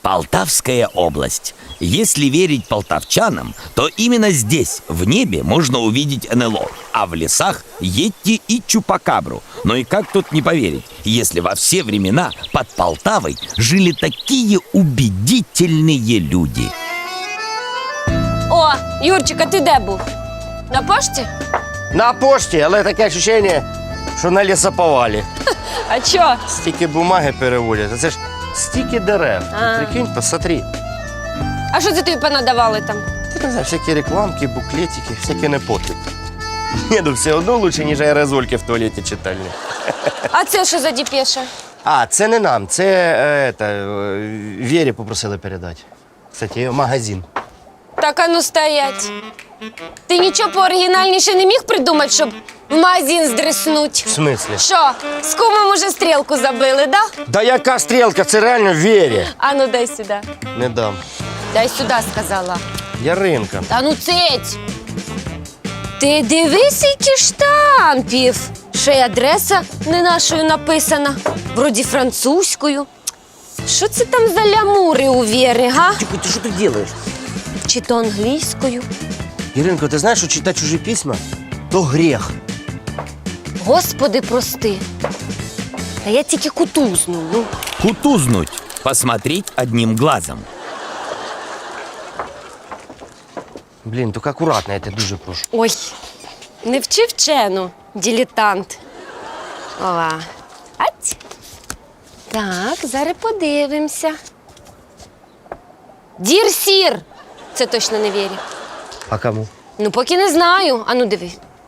Полтавская область. Если верить полтавчанам, то именно здесь, в небе, можно увидеть НЛО, а в лесах – Йети и Чупакабру. Но и как тут не поверить, если во все времена под Полтавой жили такие убедительные люди. О, Юрчик, а ти де був? На пошті? На пошті, але таке відчуття, що на лісоповалі. А чо? Стільки бумаги переводять, а це ж стільки дерев. Прикинь, посмотри. А що це тобі понадавали там? Ти не знаєш, всякі рекламки, буклетики, всякі непотріб. Ні, ну все одно лучше, ніж аерозольки в туалеті читальні. А це що за діпеша? А, це не нам, це Вері попросили передати. Кстати, магазин. Так, а ну стоять. Ти нічого пооригінальніше не міг придумати, щоб в магазин здриснуть? В смислі? Що, з кумом уже стрілку забили, да? Да яка стрілка, це реально Вері. А ну дай сюди. Не дам. Дай сюди, сказала. Яринка. Та ну цить! Ти дивись, які штампів. Ще й адреса не нашою написана. Вроді французькою. Що це там за лямури у Вєри, га? Тихо, ти що тут робиш? Чи то англійською? Яринко, ти знаєш, що читати чужі письма – то гріх. Господи, прости. Та я тільки кутузну, ну. Кутузнуть. Посмотреть одним глазом. Блін, тільки акуратно, я тебе дуже прошу. Ой, не вчи вчену, дилетант. Ова. Ать. Так, зараз подивимося. Дір сір. Це точно не Вірі. А кому? Ну, поки не знаю. А ну, диви.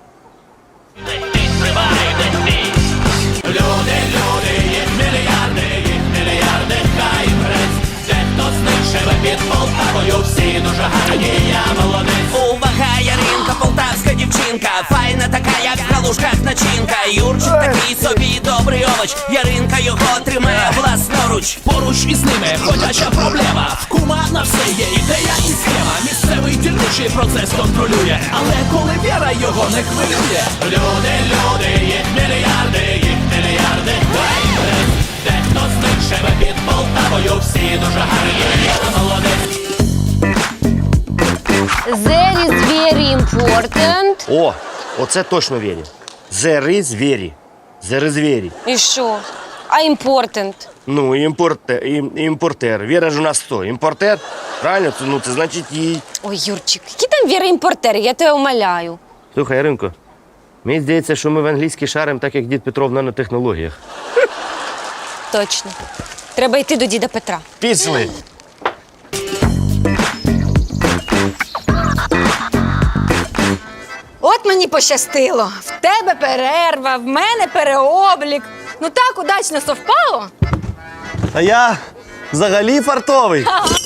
Увага, Яринка, полтавська дівчинка, файна така, як в галушках начинка. Юрчик такий собі добрий овоч, Яринка його тримає власноруч. Поруч із ними ходяча проблема. В кума на все є ідея і схема. Місцевий дільничий процес контролює, але коли віра його не хвилює. Люди, їх мільярди, дехто з них живе під Полтавою, всі дуже гарні, я молодець. There is very important. О, оце точно Вері. Зери звірі. Зери звірі. І що? А important? Ну, імпортер. Віра ж у нас хто? Імпортер? Правильно? Це значить їй. Ой, Юрчик, які там Віри імпортери, я тебе умоляю. Слухай, Яринко, мені здається, що ми в англійській шарим, так як дід Петро в нанотехнологіях. Точно. Треба йти до діда Петра. Пішли. От мені пощастило. В тебе перерва, в мене переоблік. Ну так удачно совпало. А я взагалі фартовий.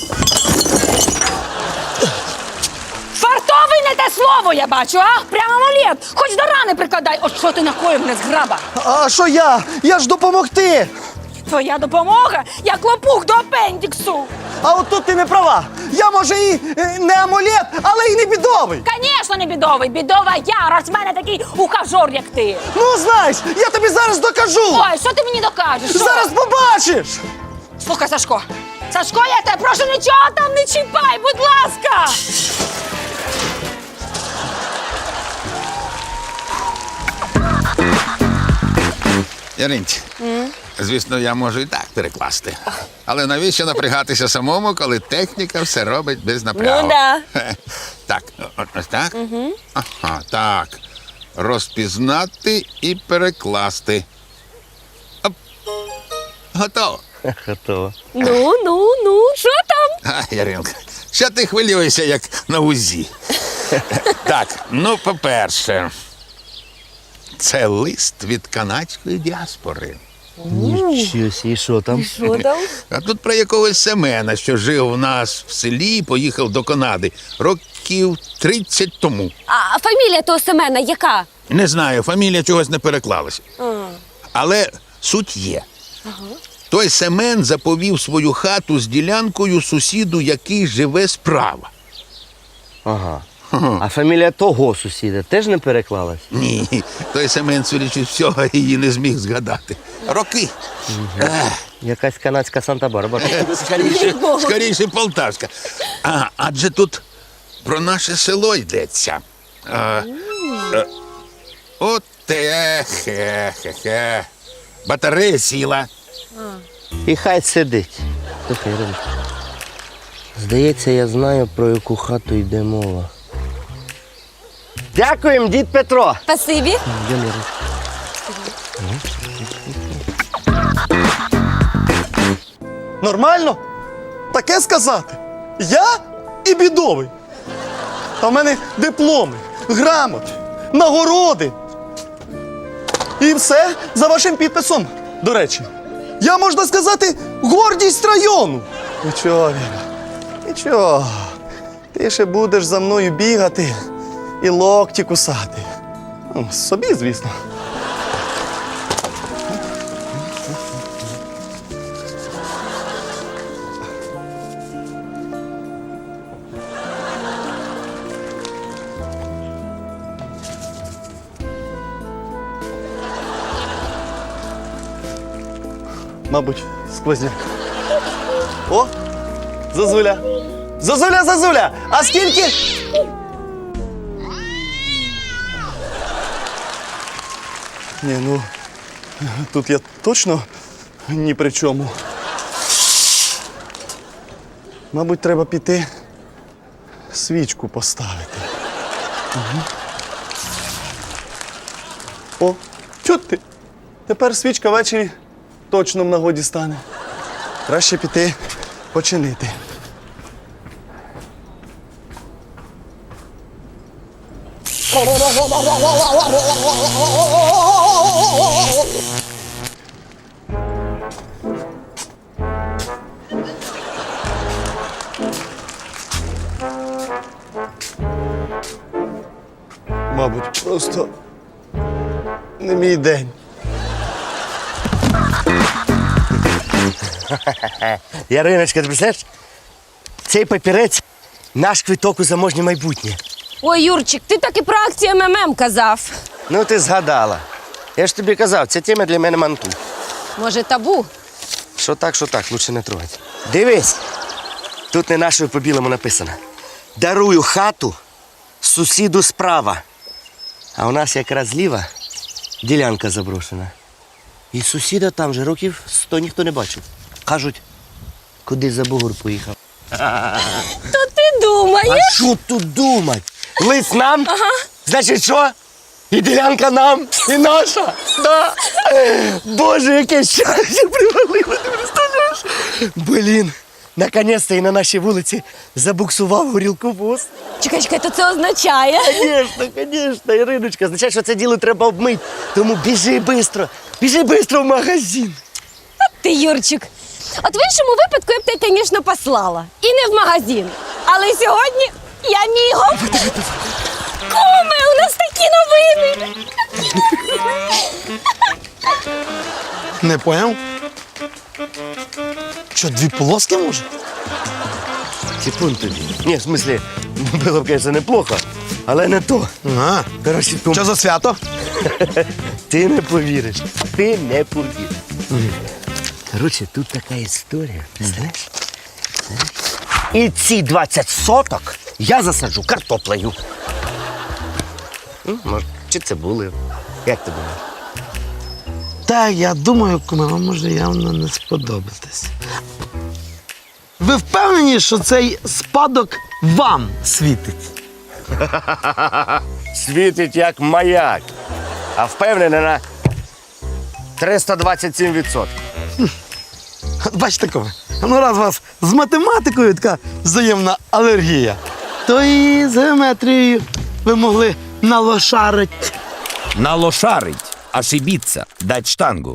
Фартовий не те слово, я бачу, а? Прямо амулет. Хоч до рани прикладай. От що ти накоїв, не зграба? А що я? Я ж допомогти. Твоя допомога, як лопух до апендіксу. А от тут ти не права. Я, може, і не амулет, але і не бідовий. Звісно, не бідовий. Бідова я, раз в мене такий ухажор, як ти. Ну, знаєш, я тобі зараз докажу. Ой, що ти мені докажеш? Що? Зараз побачиш. Слухай, Сашко. Сашко, я тебе прошу, нічого там не чіпай, будь ласка. Яринці, звісно, я можу і так перекласти. Але навіщо напрягатися самому, коли техніка все робить без напрягу? Ну, да. Так, ось так? Ага, так. Розпізнати і перекласти. Оп. Готово. Готово. Ну, що там? А, Яринка, що ти хвилюєшся, як на УЗІ? Так, ну, по-перше, це лист від канадської діаспори. Нічого сі, що там? Що там? А тут про якогось Семена, що жив у нас в селі і поїхав до Канади років 30 тому. А фамілія того Семена яка? Не знаю, фамілія чогось не переклалася. Але суть є. Той Семен заповів свою хату з ділянкою сусіду, який живе справа. Ага. А фамілія того сусіда теж не переклалась? Ні, той Семен, судячи з всього, її не зміг згадати. Роки. Якась канадська Санта-Барбара. Скоріше полтавська. Адже тут про наше село йдеться. От хе-хе-хе. Батарея сіла. І хай сидить. Слухай, Іриночко, здається, я знаю, про яку хату йде мова. Дякуємо, дід Петро. Спасибі. Йдемо, Іриночко. Нормально? Таке сказати? Я і бідовий. А в мене дипломи, грамоти, нагороди. І все за вашим підписом, до речі. Я, можна сказати, гордість району. Нічого, Віра, нічого. Ти ще будеш за мною бігати і локті кусати. Ну, собі, звісно. Мабуть, сквозняк. О, Зозуля. Зозуля, Зозуля! А скільки? Ні, ну, тут я точно ні при чому. Мабуть, треба піти свічку поставити. Угу. О, чого ти? Тепер свічка ввечері точно в нагоді стане. Краще піти починити. Мабуть, просто не мій день. Яриночка, ти представляєш? Цей папірець – наш квиток у заможнє майбутнє. Ой, Юрчик, ти так і про акцію МММ казав. Ну, ти згадала. Я ж тобі казав, ця тема для мене манту. Може, табу? Що так, лучше не трогати. Дивись, тут не нашою по-білому написано. Дарую хату сусіду справа. А у нас якраз зліва ділянка заброшена. І сусіда там же років 100 ніхто не бачив. Кажуть, куди за бугор поїхав. То ти думаєш? А що тут думать? Лист нам? Ага. Значить що? І ділянка нам, і наша. Да. Боже, яке щастя привалило, ти представляєш? Блін, наконець-то і на нашій вулиці забуксував горілковоз. Чекай, то це означає. Звісно, Іриночка, означає, що це діло треба обмити. Тому біжи швидко в магазин. Ти, Юрчик. От в іншому випадку я б тебе, звісно, послала. І не в магазин. Але сьогодні я мігом. Куме, у нас такі новини. Не поняв? Що, дві полоски може? Типун тобі. Ні, в смислі, було б, звісно, неплохо, але не то. А, Коротше, кум, що за свято? ти не повіриш. Коротше, тут така історія, знаєш? І ці 20 соток я засаджу картоплею. Може, чи цибулею. Як ти думаєш? Так, я думаю, куме, вам може явно не сподобатись. Ви впевнені, що цей спадок вам світить? Світить як маяк, а впевнений на 327%. Бачите, куме, ну раз у вас з математикою така взаємна алергія, то і з геометрією ви могли налошарить. Налошарить, ошибиться, дать штангу.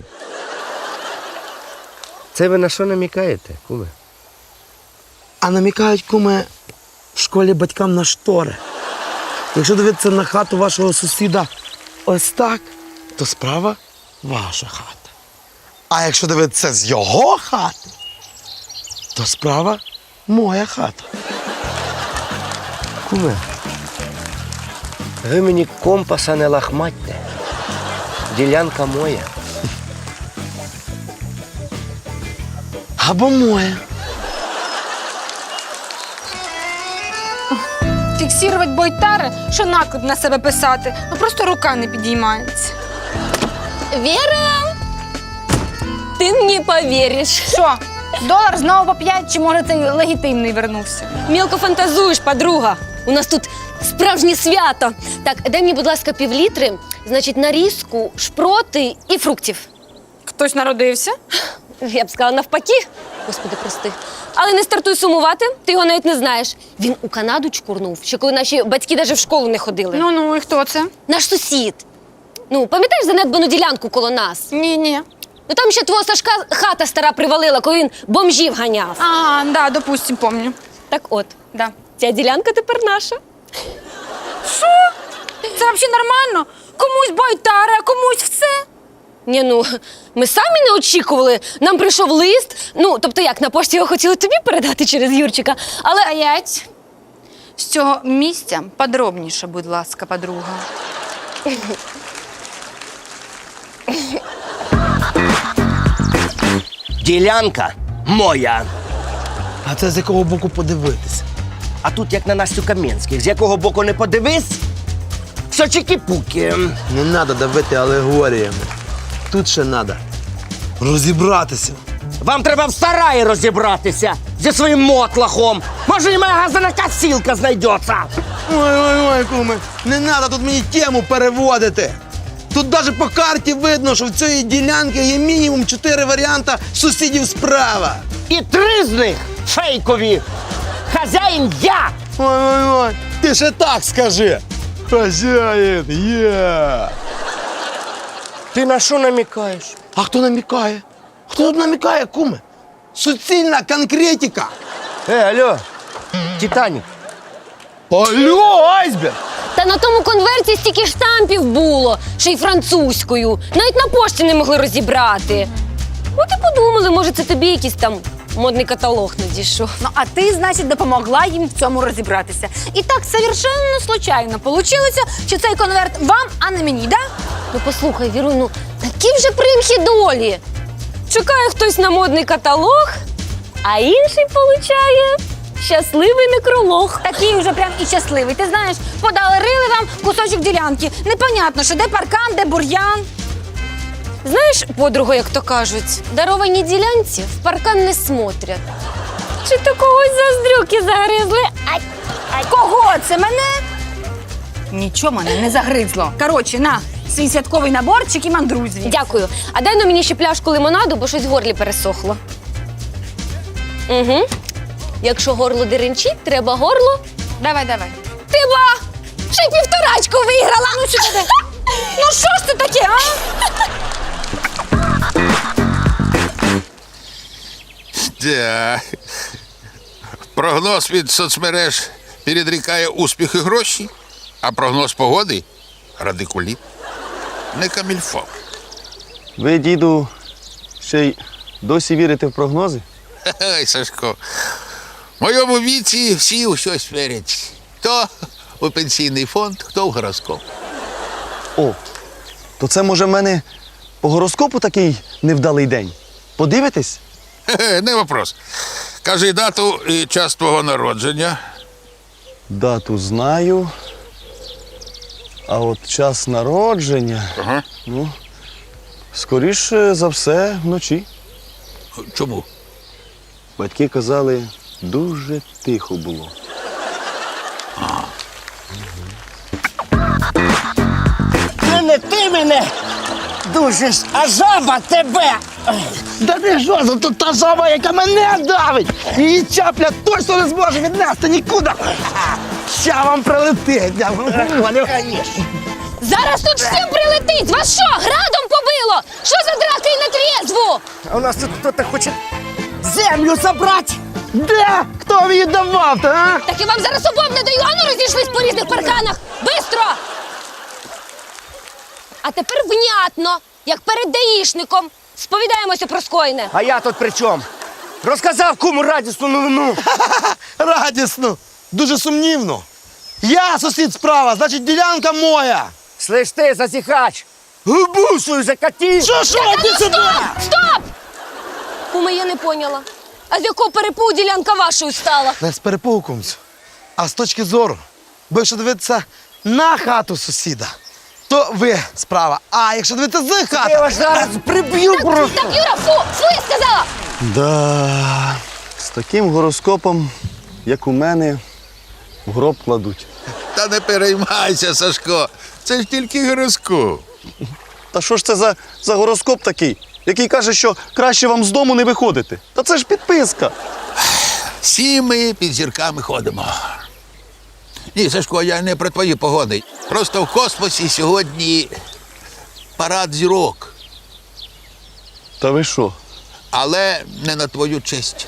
Це ви на що намікаєте, куме? А намікають, куме, в школі батькам на штори. Якщо дивитися на хату вашого сусіда ось так, то справа ваша хата. А якщо дивитися з його хати, то справа моя хата. Куме, Ви мені компаса не лахматьте. Ділянка моя. Або моє. Фіксувати бойтари, що наклеп на себе писати. Ну просто рука не підіймається. Віра! Ти не повіриш. Що, долар знову по 5, чи може цей легітимний вернувся? Мілко фантазуєш, подруга. У нас тут справжнє свято. Так, дай мені, будь ласка, півлітри, значить, нарізку, шпроти і фруктів. Хтось народився? Я б сказала навпаки. Господи, прости. Але не стартуй сумувати, ти його навіть не знаєш. Він у Канаду чкурнув, ще коли наші батьки навіть в школу не ходили. Ну, і хто це? Наш сусід. Ну, пам'ятаєш занедбану ділянку коло нас? Ні. Ну там ще твого Сашка хата стара привалила, коли він бомжів ганяв. Ага, да, допустим, помню. Так от, Да. ця ділянка тепер наша. Що? Це взагалі нормально? Комусь бойтари, а комусь все. Ні, ну, ми самі не очікували. Нам прийшов лист. Ну, тобто як, на пошті його хотіли тобі передати через Юрчика. Але Стоять. З цього місця подробніше, будь ласка, подруга. Ділянка моя. А це з якого боку подивитися? А тут як на Настю Кам'янських. З якого боку не подивись, все чики-пуки. Не треба давити алегоріями. Тут ще треба розібратися. Вам треба в сараї розібратися зі своїм мотлахом. Може, і моя газана косілка знайдеться. Ой, куме, не треба тут мені тему переводити. Тут навіть по карті видно, що в цій ділянці є мінімум 4 варіанти сусідів справа. І 3 з них фейкові. Хазяїн я. Ой, ти ще так скажи. Хазяїн, я. Ти на що намікаєш? А хто намікає? Хто тут намікає, куме? Суцільна конкретика. Алло, Титанік. Алло, айсберг! та на тому конверті стільки штампів було, ще й французькою. Навіть на пошті не могли розібрати. От і подумали, може, це тобі якийсь там модний каталог надійшов. Ну, а ти, значить, допомогла їм в цьому розібратися. І так совершенно случайно получилося, що цей конверт вам, а не мені, да? Ну послухай, Віру, ну такі вже примхи долі. Чекає хтось на модний каталог, а інший получає щасливий некролог. Такий вже прям і щасливий. Ти знаєш, подарили вам кусочок ділянки. Непонятно, що де паркан, де бур'ян. Знаєш, подруга, як то кажуть, даровані ділянці в паркан не смотрять. Чи то когось заздрюки загризли? Кого це, мене? Нічого мене не загризло. Коротше, на, свій святковий наборчик і мандруй звідси. Дякую. А дай на мені ще пляшку лимонаду, бо щось в горлі пересохло. Угу. Якщо горло деренчить, треба горло. Давай. Ти ба! Ще й півторачку виграла! Ну сюди. Ну що ж це таке, а? Да. Прогноз від соцмереж передрікає успіх і гроші, а прогноз погоди радикуліт. Не камільфо. Ви, діду, ще й досі вірите в прогнози? Ой, Сашко, в моєму віці всі у щось вірять. Хто у пенсійний фонд, хто в гороскоп. О, то це, може, в мене по гороскопу такий невдалий день. Подивитесь? Хе-хе, не вопрос. Кажи дату і час твого народження. Дату знаю. А от час народження, Ага. скоріше за все, вночі. Чому? Батьки казали, дуже тихо було. Ти мене душиш, а жаба тебе. Да ти що, за тут та жаба, яка мене давить! Її чапля точно не зможе віднести нікуди! Ща вам прилетить! Я вам говорю. Зараз тут всім прилетить! Вас що, градом побило? Що за драка і на трєзву? А у нас тут хтось хоче землю забрати. Де? Хто її давав-то, а? Так я вам зараз обом не даю, ану розійшлись по різних парканах! Бистро! А тепер внятно, як перед даїшником. Сповідаємося про скоєне. А я тут при чому? Розказав кому радісну новину. Радісно! Дуже сумнівно. Я сусід справа, значить ділянка моя. Слиш ти, засіхач! Губу свою закатив! Що, ти сюди? Стоп! Куме, я не поняла. А з якого перепу ділянка вашою стала? Не з перепугу, кумцю, а з точки зору. Бо якщо дивитися на хату сусіда, то ви справа. А якщо дивитися з Я хати, вас зараз приб'ю просто! Так, Юра, фу, я сказала! Да, з таким гороскопом, як у мене, в гроб кладуть. Та не переймайся, Сашко. Це ж тільки гороскоп. Та що ж це за гороскоп такий, який каже, що краще вам з дому не виходити? Та це ж підписка. Всі ми під зірками ходимо. Ні, Сашко, я не про твої погоди. Просто в космосі сьогодні парад зірок. Та ви що? Але не на твою честь.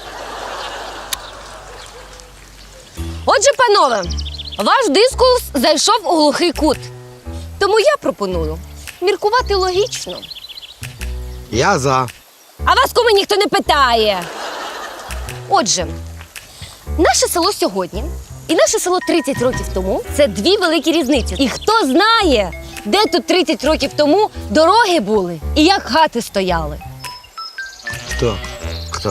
Отже, панове, ваш дискурс зайшов у глухий кут. Тому я пропоную міркувати логічно. я за. А вас, куме, ніхто не питає. Отже, наше село сьогодні і наше село 30 років тому – це дві великі різниці. І хто знає, де тут 30 років тому дороги були і як хати стояли. Хто? Хто?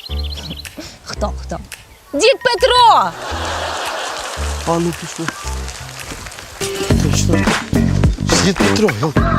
Хто? Дід Петро! А ну пішло. Точно. Дід Петро.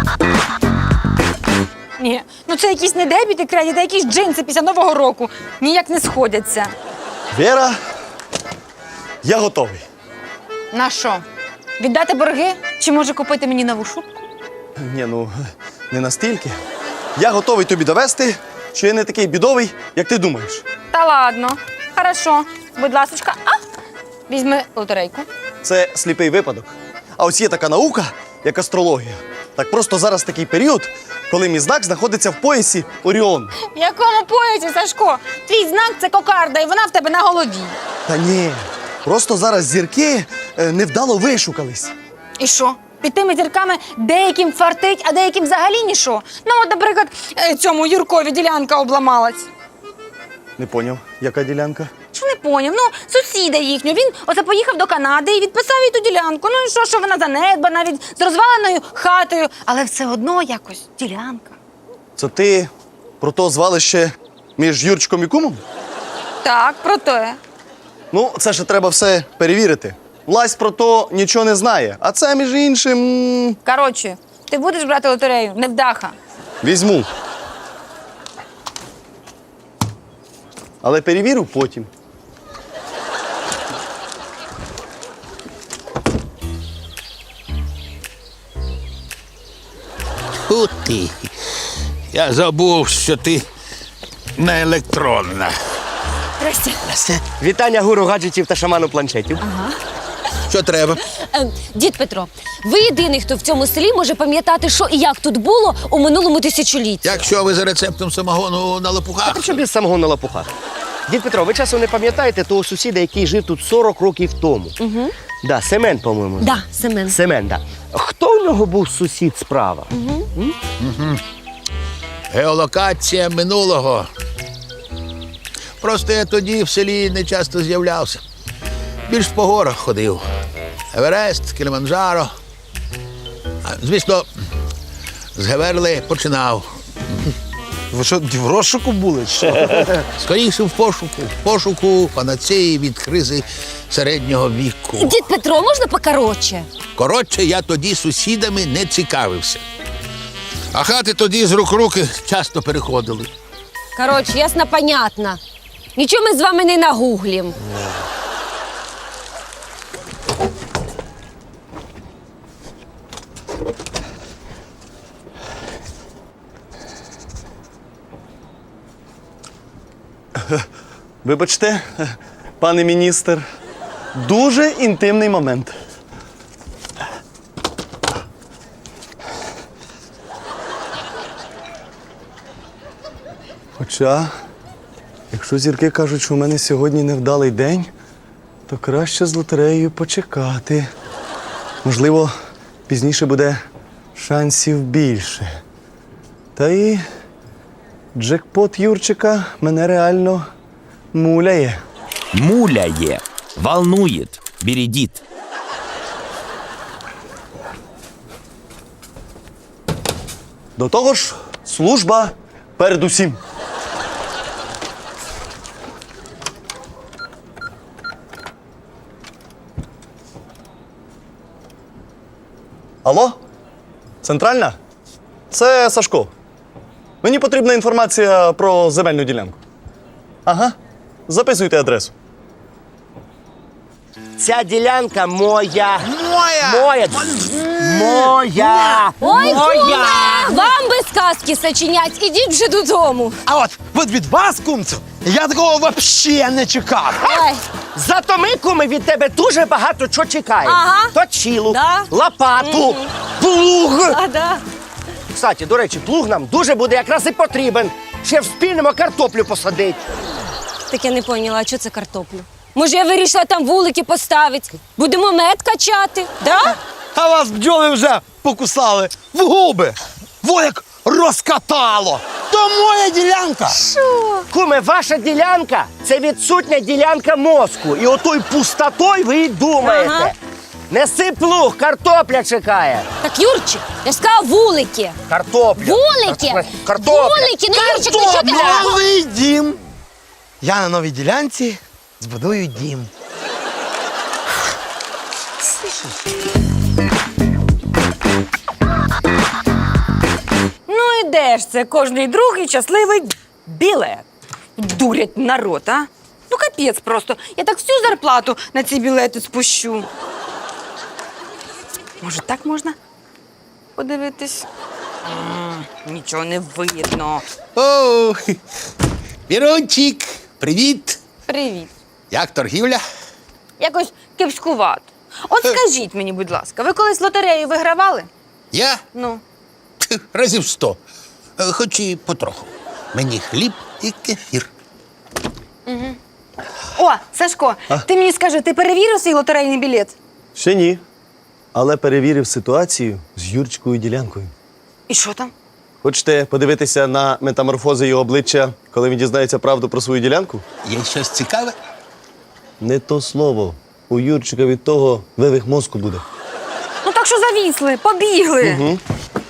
Ні, ну це якісь не дебіти кредити, а якісь джинси після Нового року. Ніяк не сходяться. Віра, я готовий. На що? Віддати борги? Чи може купити мені нову шубку? Ні, ну, не настільки. Я готовий тобі довести, що я не такий бідовий, як ти думаєш. Та ладно. Хорошо. Будь ласочка, візьми лотерейку. Це сліпий випадок. А ось є така наука, як астрологія. Так просто зараз такий період, коли мій знак знаходиться в поясі Оріон. В якому поясі, Сашко? Твій знак – це кокарда, і вона в тебе на голові. Та ні, просто зараз зірки невдало вишукались. І що? Під тими зірками деяким фартить, а деяким взагалі нічого. Ну, от, наприклад, цьому Юркові ділянка обламалась. Не поняв, яка ділянка? Що не поняв? Ну, сусіда їхнього. Він оце поїхав до Канади і відписав їй ту ділянку. Ну і що вона занедбана, навіть з розваленою хатою, але все одно якось ділянка. Це ти про то звалище між Юрчиком і кумом? Так, про те. Ну, це ще треба все перевірити. Власть про то нічого не знає. А це, між іншим, Коротше, ти будеш брати лотерею, невдаха. візьму. Але перевірю потім. Фу ти. Я забув, що ти не електронна. Здрасте. Вітання гуру гаджетів та шаману планшетів. Що треба? Дід Петро, ви єдиний, хто в цьому селі може пам'ятати, що і як тут було у минулому тисячолітті. Якщо ви за рецептом самогону на лопухах, Так що без самого на лопухах. Дід Петро, ви часом не пам'ятаєте того сусіда, який жив тут 40 років тому? Угу. Да, Семен, по-моєму. Да, Семен. Семен, да. Хто в нього був сусід справа? геолокація минулого. Просто я тоді в селі не часто з'являвся. Більш по горах ходив. Еверест, Кіліманджаро. Звісно, з Геверли починав. Ви що, в розшуку були? Чи що? Скоріше в пошуку панацеї від кризи середнього віку. Дід Петро, можна покоротше? Коротше, я тоді сусідами не цікавився. А хати тоді з рук в руки часто переходили. Коротше, ясно, понятно. Нічого ми з вами не нагуглім. Вибачте, пане міністр, дуже інтимний момент. Хоча, якщо зірки кажуть, що у мене сьогодні невдалий день, то краще з лотереєю почекати. Можливо, пізніше буде шансів більше. Та і джекпот Юрчика мене реально муляє. Муляє, волнует, бередит. До того ж, служба передусім. Алло? Центральна? Це Сашко. Мені потрібна інформація про земельну ділянку. Ага. Записуйте адресу. Ця ділянка моя. Моя! Моя. Моя. Ой, Моя. куме! Вам би сказки сочинять, ідіть вже додому. А от від вас, кумцю, я такого взагалі не чекав. Ой, Зато ми, куми, від тебе дуже багато чого чекаємо. Ага. Точилу, Да. лопату, плуг. да. Кстати, до речі, плуг нам дуже буде якраз і потрібен. Ще вспільнемо картоплю посадити. Так я не поняла, а що це картоплю? Може, я вирішила там вулики поставити? Будемо мед качати, да? А вас бджоли вже покусали в губи. Во як розкатало. То моя ділянка. Куме, ваша ділянка – це відсутня ділянка мозку. І отою пустотою ви й думаєте. Ага. Неси плуг, картопля чекає. Так, Юрчик, я ж сказала вулики. Картопля. Вулики! Картопля. Вулики! Ну, Юрчик, ну що ти? Новий дім. Я на новій ділянці збудую дім. Ну і де ж це кожний другий щасливий білет? Дурять народ, а? Ну капець просто. Я так всю зарплату на ці білети спущу. Може, так можна подивитись? Нічого не видно. О, Вірончик, привіт! Привіт. Як торгівля? Якось кепськувато. От скажіть мені, будь ласка, ви колись лотерею вигравали? Я? Ну. Разів 100. Хоч і потроху. Мені хліб і кефір. О, Сашко, ти мені скажи, ти перевірив свій лотерейний білет? Ще ні. Але перевірив ситуацію з Юрчикою ділянкою. І що там? Хочете подивитися на метаморфози його обличчя, коли він дізнається правду про свою ділянку? Є щось цікаве? Не то слово. У Юрчика від того вивих мозку буде. Ну так що завісли, побігли.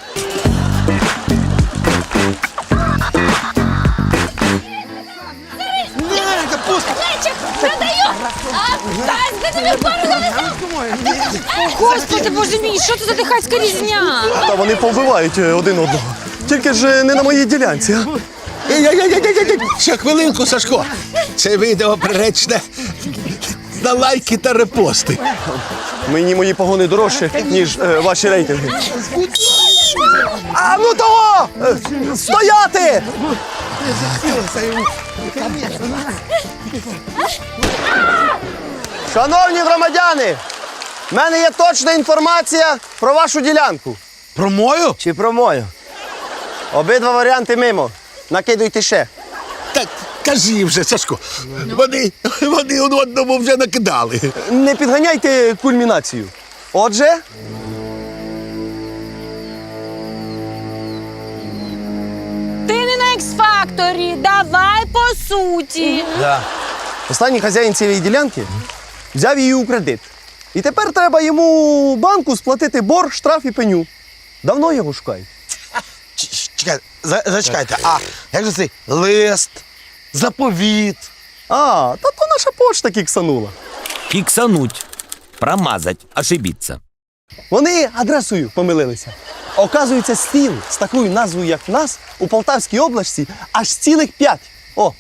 Лечик, продаю! Дай тобі пару Господи, боже мій, що це за дихацька різня? Та вони повбивають один одного. Тільки ж не на моїй ділянці. А? Ще хвилинку, Сашко. Це відео приречне на лайки та репости. Мені мої погони дорожче, ніж ваші рейтинги. А ну того! Стояти! Шановні громадяни, в мене є точна інформація про вашу ділянку. Про мою? Чи про мою? Обидва варіанти мимо. Накидуйте ще. Так, кажи вже, Сашко. Вони один одному вже накидали. Не підганяйте кульмінацію. Отже, Ти не на X-Factor, давай по суті. останній хазяїн цієї ділянки взяв її у кредит. І тепер треба йому банку сплатити борг, штраф і пеню. Давно його шукають. Чекайте, зачекайте. А як же цей лист, заповіт? А, та то наша почта кіксанула. Фиксануть, промазать, ошибиться. Вони адресою помилилися. Оказується, сіл з такою назвою, як в нас, у Полтавській області аж цілих 5. О,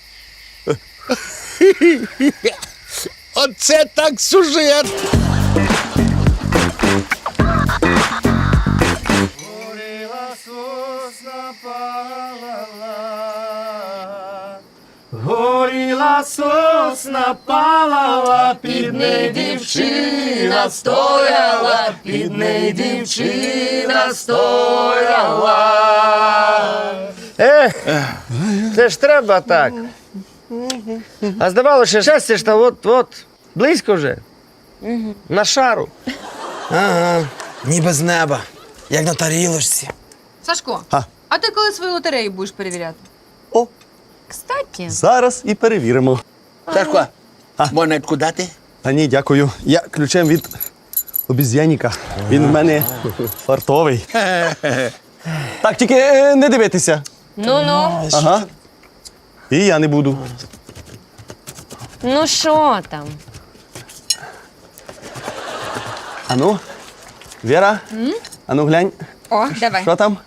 Оце так сюжет. Горіла сосна палала, під неї дівчина стояла, під неї дівчина стояла. Це ж треба так. А здавалося, щастя ж та от, близько вже. На шару. Ага, ніби з неба, як на тарілочці. Сашко, А? а ти коли свою лотерею будеш перевіряти? О, Кстати. зараз і перевіримо. Сашко, монетку дати? Та ні, дякую. Я ключем від обіз'яніка. Він в мене фартовий. Так, тільки не дивитися. Ну-ну. Ага. І я не буду. Ну що там? Ану, Віра, ану глянь, О, давай. що там?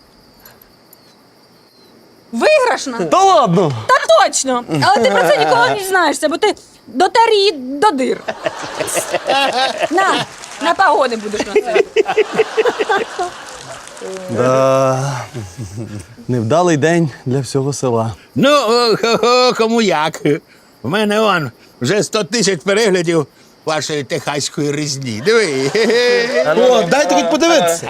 Виграшна? Та ладно! Та точно! Але ти про це ніколи не дізнаєшся, бо ти дотер її до дир. На погоди будеш носити. Да. Невдалий день для всього села. Ну, кому як. У мене он вже 100 тисяч переглядів вашої техаської різні. Диви. О, дайте хоч подивитися.